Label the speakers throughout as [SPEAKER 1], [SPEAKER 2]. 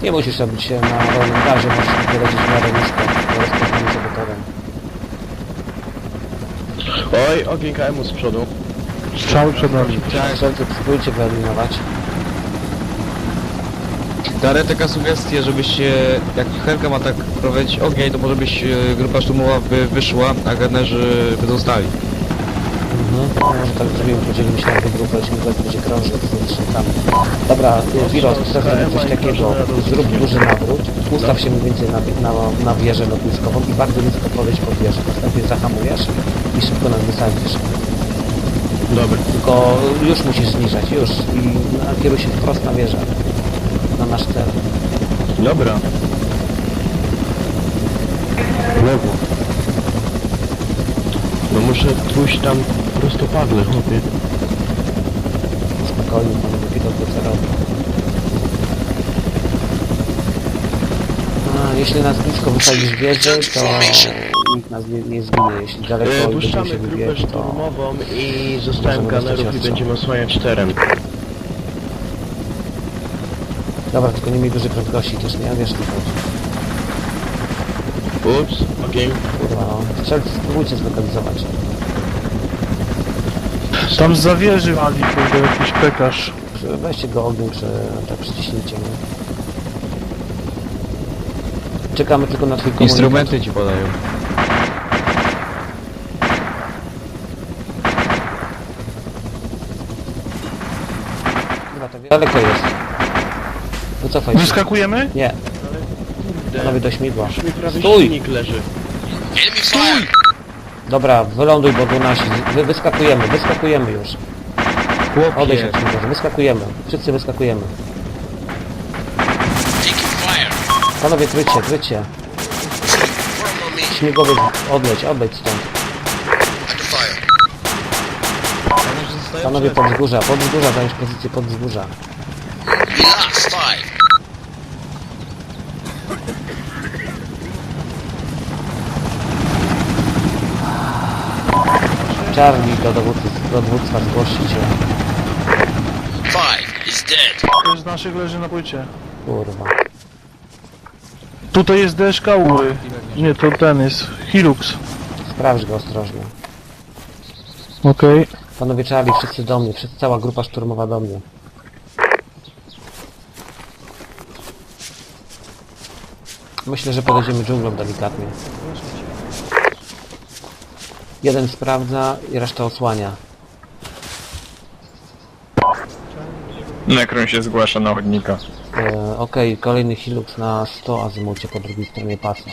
[SPEAKER 1] Nie musisz robić się na rolnym gazie, możesz wylecieć w miarę nisko, do rozpoznania sobie teren.
[SPEAKER 2] Oj, ogień KM-u z przodu.
[SPEAKER 3] Strzały przed nami.
[SPEAKER 1] Strzelcy spróbujcie wyeliminować.
[SPEAKER 4] Darę taka sugestia, żebyście, jak Helka ma tak prowadzić ogień, to może byś grupa szturmowa by wyszła, a gunnerzy by zostali.
[SPEAKER 1] No, może tak zrobimy, podzielimy się na dwie grupy, śmigłowiec będzie krążył z łucznikami. Dobra, Wiros, chcę zrobić coś takiego. Zrób duży nawrót, ustaw się mniej więcej na wieżę lotniskową i bardzo nisko podejdź pod wieżę. Następnie zahamujesz i szybko nas wysadzisz.
[SPEAKER 2] Dobra.
[SPEAKER 1] Tylko już musisz zniżać, już. I nakieruj się wprost na wieżę. Na nasz cel.
[SPEAKER 2] Dobra.
[SPEAKER 3] Lewo.
[SPEAKER 2] No muszę pójść tam prostopadle, chłopie.
[SPEAKER 1] Spokojnie, panowie, widok do co robi. A, jeśli nas blisko wysadzisz wieżę, to nikt nas nie zginie. Jeśli daleko i będziemy
[SPEAKER 2] Puszczamy
[SPEAKER 1] się
[SPEAKER 2] grupę
[SPEAKER 1] wybiegać, to...
[SPEAKER 2] szturmową i zostałem
[SPEAKER 1] możemy dostać
[SPEAKER 2] gunnerów i
[SPEAKER 1] ostrzał.
[SPEAKER 2] będziemy osłaniać teren.
[SPEAKER 1] Dobra, tylko nie miej dużej prędkości też, nie? Wiesz, co chodzi.
[SPEAKER 2] Ups, ogień.
[SPEAKER 1] Kurwa, no. Strzelcy, spróbujcie zlokalizować.
[SPEAKER 3] Tam z zawieży wali, kurde, jakiś pekarz.
[SPEAKER 1] Weźcie go ogień, czy tak przyciśnijcie, nie? Czekamy tylko na twój komunikat.
[SPEAKER 4] Instrumenty ci podają.
[SPEAKER 1] Dobra, to daleko jest. Wycofaj się.
[SPEAKER 3] Wyskakujemy?
[SPEAKER 1] Nie, panowie do śmigła.
[SPEAKER 2] Już mi prawie
[SPEAKER 1] Stój!
[SPEAKER 2] silnik leży.
[SPEAKER 1] Dobra, wyląduj, bo tu nasi. Wyskakujemy już. Odejdź
[SPEAKER 4] Chłopie,
[SPEAKER 1] od śmigła, wyskakujemy. Wszyscy wyskakujemy. Panowie, krycie. Śmigłowiec, odleć stąd. Panowie, pod wzgórza, zająć pozycję pod wzgórza. Charlie do dowództwa zgłosi się.
[SPEAKER 3] Ktoś z naszych leży na płycie.
[SPEAKER 1] Kurwa.
[SPEAKER 3] Tutaj jest DSK u góry. Nie, to ten jest. Hilux.
[SPEAKER 1] Sprawdź go ostrożnie.
[SPEAKER 3] Okej.
[SPEAKER 1] Panowie Charlie, wszyscy do mnie, cała grupa szturmowa do mnie. Myślę, że podejdziemy dżunglą delikatnie. Jeden sprawdza i reszta osłania.
[SPEAKER 5] Nekron się zgłasza na chodnika.
[SPEAKER 1] Okej, kolejny Hilux na 100 azymucie po drugiej stronie pasa.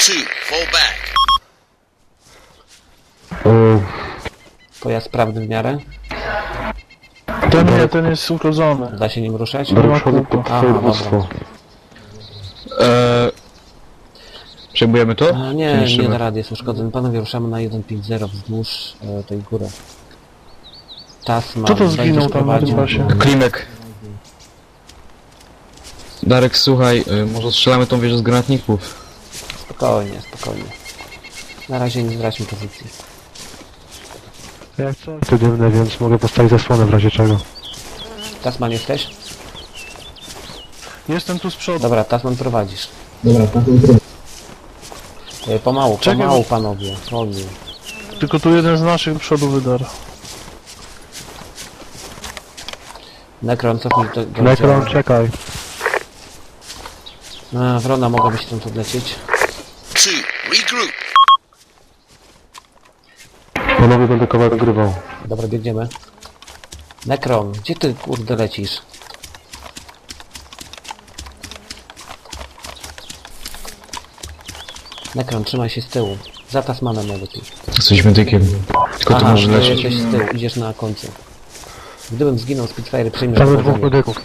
[SPEAKER 1] Pojazd sprawny w miarę?
[SPEAKER 3] Ten jest urodzony.
[SPEAKER 1] Da się nim ruszać?
[SPEAKER 3] Do przodu
[SPEAKER 1] Aha, dobra.
[SPEAKER 4] Przejmujemy to?
[SPEAKER 1] A,
[SPEAKER 4] Czy
[SPEAKER 1] nie
[SPEAKER 4] niszczymy?
[SPEAKER 1] da rady, jest uszkodzony. Panowie, ruszamy na 1.5.0 wzdłuż tej góry. Tasman,
[SPEAKER 3] Kto to zginął
[SPEAKER 1] będziesz
[SPEAKER 3] tam na tym
[SPEAKER 1] prowadził.
[SPEAKER 3] pasie?
[SPEAKER 4] Klimek. Darek, słuchaj, może strzelamy tą wieżę z granatników.
[SPEAKER 1] Spokojnie. Na razie nie zdradźmy pozycji.
[SPEAKER 3] Jak coś? To dymne, więc mogę postawić zasłonę w razie czego.
[SPEAKER 1] Tasman jesteś?
[SPEAKER 3] Jestem tu z przodu.
[SPEAKER 1] Dobra, Tasman prowadzisz. Pomału,
[SPEAKER 3] Czekaj,
[SPEAKER 1] panowie. Powoli.
[SPEAKER 3] Tylko tu jeden z naszych przodu wydarł.
[SPEAKER 1] Nekron, cofnij do
[SPEAKER 3] Nekron, czekaj.
[SPEAKER 1] Wrona mogłaby się stąd odlecieć.
[SPEAKER 3] Panowie będę kawałek grywał.
[SPEAKER 1] Dobra, biegniemy. Nekron, gdzie ty kurde lecisz? Nekron, trzymaj się z tyłu. Za Tasmanem najlepiej.
[SPEAKER 4] Jesteśmy tykiem. Tylko to
[SPEAKER 1] Aha,
[SPEAKER 4] może
[SPEAKER 1] ty
[SPEAKER 4] lecieć.
[SPEAKER 1] jesteś z tyłu, idziesz na końcu. Gdybym zginął, Spitfire przyjmiesz
[SPEAKER 3] Mamy dwóch
[SPEAKER 1] dowodzenie.
[SPEAKER 3] medyków.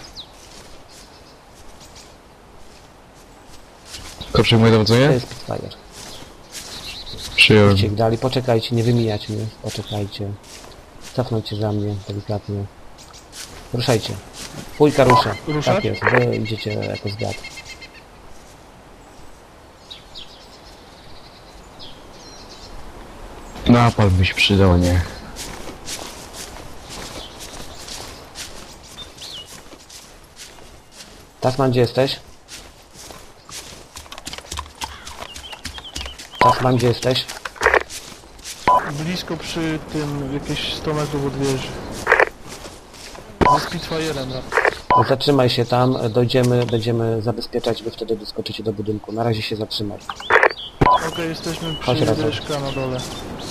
[SPEAKER 4] Kto przejmuje
[SPEAKER 1] To
[SPEAKER 4] dowodzenie?
[SPEAKER 1] jest Spitfire.
[SPEAKER 4] Przyjąłem.
[SPEAKER 1] Idźcie ich dali, poczekajcie, nie wymijać mnie, poczekajcie. Cofnąć się za mnie, delikatnie. Ruszajcie. Pójka rusza.
[SPEAKER 3] Ruszać?
[SPEAKER 1] Tak jest, wy idziecie jako zwiat.
[SPEAKER 4] Napal by się przydał, nie?
[SPEAKER 1] Tasman, gdzie jesteś? Czas mam, gdzie jesteś?
[SPEAKER 3] Blisko przy tym, jakieś 100 metrów od wieży. Ze Spitfire'em.
[SPEAKER 1] Zatrzymaj się tam, dojdziemy, będziemy zabezpieczać, wy wtedy doskoczycie do budynku. Na razie się zatrzymaj.
[SPEAKER 3] Okej, jesteśmy
[SPEAKER 1] Chodź
[SPEAKER 3] przy
[SPEAKER 1] razem.
[SPEAKER 3] wieżka na dole.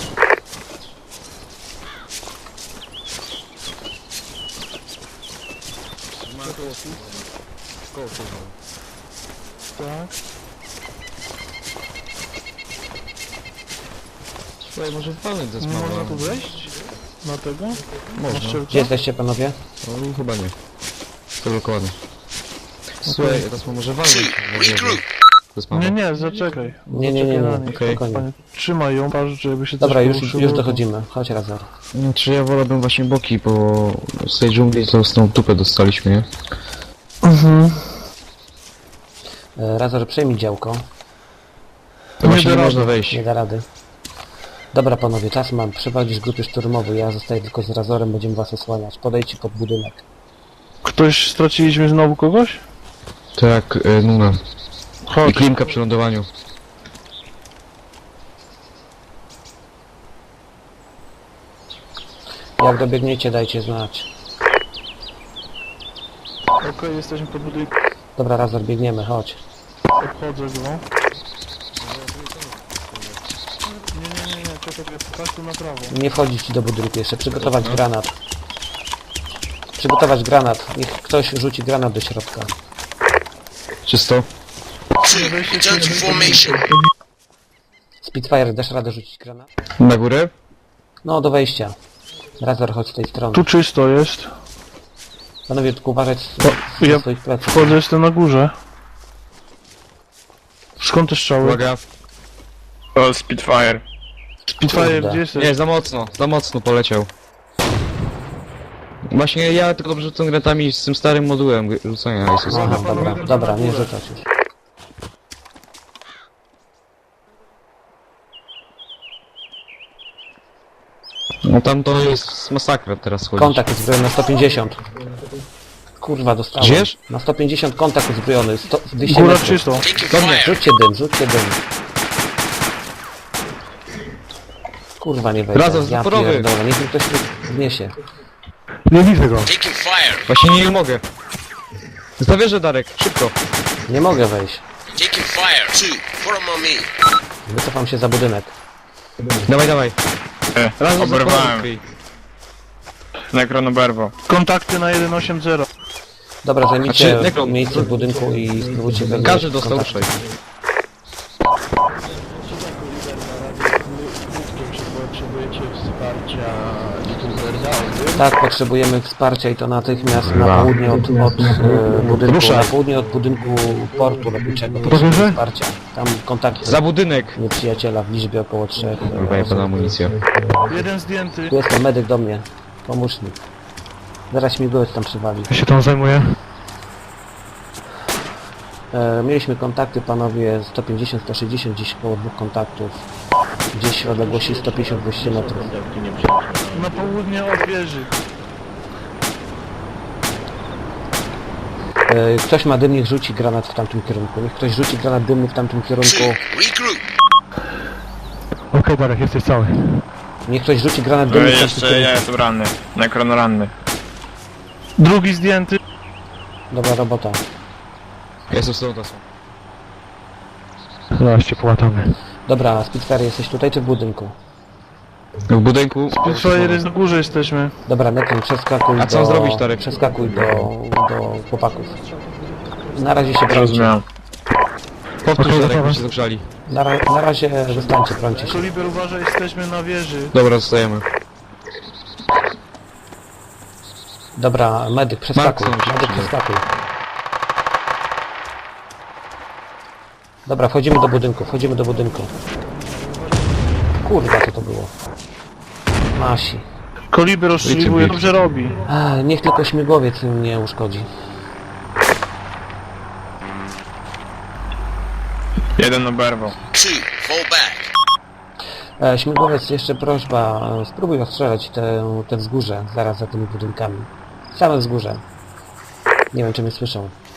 [SPEAKER 3] Tak.
[SPEAKER 4] Słuchaj, może walnąć ze
[SPEAKER 3] Można
[SPEAKER 4] smawa.
[SPEAKER 3] tu wejść? Na tego? Na
[SPEAKER 4] Można.
[SPEAKER 3] szczelkę?
[SPEAKER 1] Gdzie jesteście, panowie?
[SPEAKER 4] No, chyba nie. Zablokowany. Słuchaj, teraz może walnąć. Ze smawa.
[SPEAKER 3] Nie, nie, zaczekaj.
[SPEAKER 1] Nie,
[SPEAKER 3] Zaczekaj na nich.
[SPEAKER 4] okej.
[SPEAKER 1] spokojnie.
[SPEAKER 3] Panie, trzymaj ją, patrz, żeby się
[SPEAKER 1] Dobra,
[SPEAKER 3] coś
[SPEAKER 1] już
[SPEAKER 3] poruszyło.
[SPEAKER 1] dochodzimy. Chodź, Razor.
[SPEAKER 4] Czy ja wolałbym właśnie boki, bo z tej dżungli to z tą dupę dostaliśmy, nie?
[SPEAKER 3] Mhm.
[SPEAKER 1] Razor, przejmij działko.
[SPEAKER 4] To właśnie
[SPEAKER 3] da
[SPEAKER 4] nie
[SPEAKER 3] rady.
[SPEAKER 4] można wejść.
[SPEAKER 1] Nie da rady. Dobra, panowie, czas mam. Przeprowadzić grupy szturmowe. Ja zostaję tylko z Razorem, będziemy was osłaniać. Podejdźcie pod budynek.
[SPEAKER 3] Ktoś, straciliśmy znowu kogoś?
[SPEAKER 4] Tak, Nuna. I
[SPEAKER 3] Chodź.
[SPEAKER 4] Klimka przy lądowaniu.
[SPEAKER 1] Jak dobiegniecie, dajcie znać.
[SPEAKER 3] Okej, jesteśmy pod budynkiem.
[SPEAKER 1] Dobra, Razor, biegniemy, chodź.
[SPEAKER 3] Obchodzę go. Nie, czekaj, patrz tu na prawo.
[SPEAKER 1] Nie wchodzić ci do budynku jeszcze. Przygotować granat. Przygotować granat. Niech ktoś rzuci granat do środka.
[SPEAKER 4] Czysto.
[SPEAKER 5] Return to formation.
[SPEAKER 1] Spitfire, dasz radę rzucić granat?
[SPEAKER 4] Na górę?
[SPEAKER 1] No, do wejścia. Razor, chodź z tej strony.
[SPEAKER 3] Tu czysto jest.
[SPEAKER 1] Panowie, tylko uważać
[SPEAKER 3] ja
[SPEAKER 1] na swoich plecach.
[SPEAKER 3] Wchodzę, jestem na górze. Skąd te strzały?
[SPEAKER 4] Uwaga.
[SPEAKER 6] To Spitfire.
[SPEAKER 3] Spitfire,
[SPEAKER 1] Kurde.
[SPEAKER 3] gdzie jesteś?
[SPEAKER 4] Nie, za mocno poleciał. Właśnie ja tylko dobrze rzucam granatami z tym starym modułem rzucania.
[SPEAKER 1] Aha, dobra, nie rzucać już.
[SPEAKER 4] No tam to jest masakra teraz chodzić.
[SPEAKER 1] Kontakt uzbrojony na 150. Kurwa, dostałem.
[SPEAKER 4] Gdzież?
[SPEAKER 1] Na 150 kontakt uzbrojony. 200
[SPEAKER 3] Góra
[SPEAKER 1] metrów.
[SPEAKER 3] czysto.
[SPEAKER 5] Taking
[SPEAKER 4] Do mnie.
[SPEAKER 5] fire.
[SPEAKER 1] Rzućcie dym, rzućcie dym. Kurwa, nie wejdzie.
[SPEAKER 4] Razem,
[SPEAKER 1] Ja
[SPEAKER 4] zaporowy.
[SPEAKER 1] pierdolę, niech mi ktoś tu wniesie.
[SPEAKER 3] Nie widzę go.
[SPEAKER 5] Taking fire.
[SPEAKER 4] Właśnie nie mogę. Zawierzę Darek, szybko.
[SPEAKER 1] Nie mogę wejść.
[SPEAKER 5] Taking fire. Two. Put 'em on me.
[SPEAKER 1] Wycofam się za budynek.
[SPEAKER 4] Dawaj, dawaj. Razem
[SPEAKER 6] Oberwałem. Nekron oberwał.
[SPEAKER 3] Kontakty na 180.
[SPEAKER 1] Dobra, zajmijcie
[SPEAKER 4] Znaczy, Nekron,
[SPEAKER 1] miejsce w budynku i spróbujcie wejść.
[SPEAKER 4] Każdy
[SPEAKER 1] w
[SPEAKER 4] dostał,
[SPEAKER 1] kontakt.
[SPEAKER 4] ruszaj.
[SPEAKER 2] Potrzebujecie wsparcia youtuberza?
[SPEAKER 1] Tak, potrzebujemy wsparcia i to natychmiast na południe od budynku.
[SPEAKER 4] Ruszaj.
[SPEAKER 1] Na południe od budynku portu lotniczego. Potrzebujemy wsparcia. Tam kontakty
[SPEAKER 4] Za budynek.
[SPEAKER 1] nieprzyjaciela w liczbie około 3
[SPEAKER 4] Chyba pana amunicja.
[SPEAKER 3] Jeden zdjęty.
[SPEAKER 1] Tu jest ten medyk do mnie. Pomóż mi. Zaraz śmigłowiec tam przywali.
[SPEAKER 3] Ja się tam zajmuję.
[SPEAKER 1] Mieliśmy kontakty, panowie, 150, 160, gdzieś koło dwóch kontaktów. Gdzieś w odległości 150-200 metrów.
[SPEAKER 3] Na południe od wieży.
[SPEAKER 1] Ktoś ma dym, niech rzuci granat w tamtym kierunku. Niech ktoś rzuci granat dymny w tamtym kierunku.
[SPEAKER 5] Two. Regroup.
[SPEAKER 3] Okej, Darek, jesteś cały.
[SPEAKER 1] Niech ktoś rzuci granat dymny w tamtym
[SPEAKER 6] Jeszcze ja
[SPEAKER 1] kierunku.
[SPEAKER 6] jestem ranny. Nekron ranny.
[SPEAKER 3] Drugi zdjęty.
[SPEAKER 1] Dobra robota.
[SPEAKER 4] Jestem z tą tasą.
[SPEAKER 3] Zaraz cię połatamy.
[SPEAKER 1] Dobra, Spitfire, jesteś tutaj czy w budynku?
[SPEAKER 4] W budynku.
[SPEAKER 3] Spitfire jest na górze jesteśmy.
[SPEAKER 1] Dobra, Nekron, przeskakuj
[SPEAKER 4] A co
[SPEAKER 1] do...
[SPEAKER 4] zrobić, Darek?
[SPEAKER 1] Przeskakuj do chłopaków. Na razie się brońcie.
[SPEAKER 6] Rozumiałem.
[SPEAKER 4] Powtórz Darek, bo się zagrzali.
[SPEAKER 1] Na razie zostańcie, brońcie się.
[SPEAKER 3] Koliber, uważaj, jesteśmy na wieży.
[SPEAKER 4] Dobra, zostajemy.
[SPEAKER 1] Dobra, medyk, przeskakuj.
[SPEAKER 4] Markson się
[SPEAKER 1] Medyk,
[SPEAKER 4] przyda.
[SPEAKER 1] przeskakuj. Dobra, wchodzimy do budynku. Kurwa, co to było? Masi.
[SPEAKER 3] Koliber rozstrzeliwuje, dobrze robi.
[SPEAKER 1] Niech tylko śmigłowiec nie uszkodzi.
[SPEAKER 6] Jeden oberwał.
[SPEAKER 5] Two. Fall back.
[SPEAKER 1] Śmigłowiec, jeszcze prośba, spróbuj ostrzelać te wzgórze, zaraz za tymi budynkami. Same wzgórze. Nie wiem, czy mnie słyszą.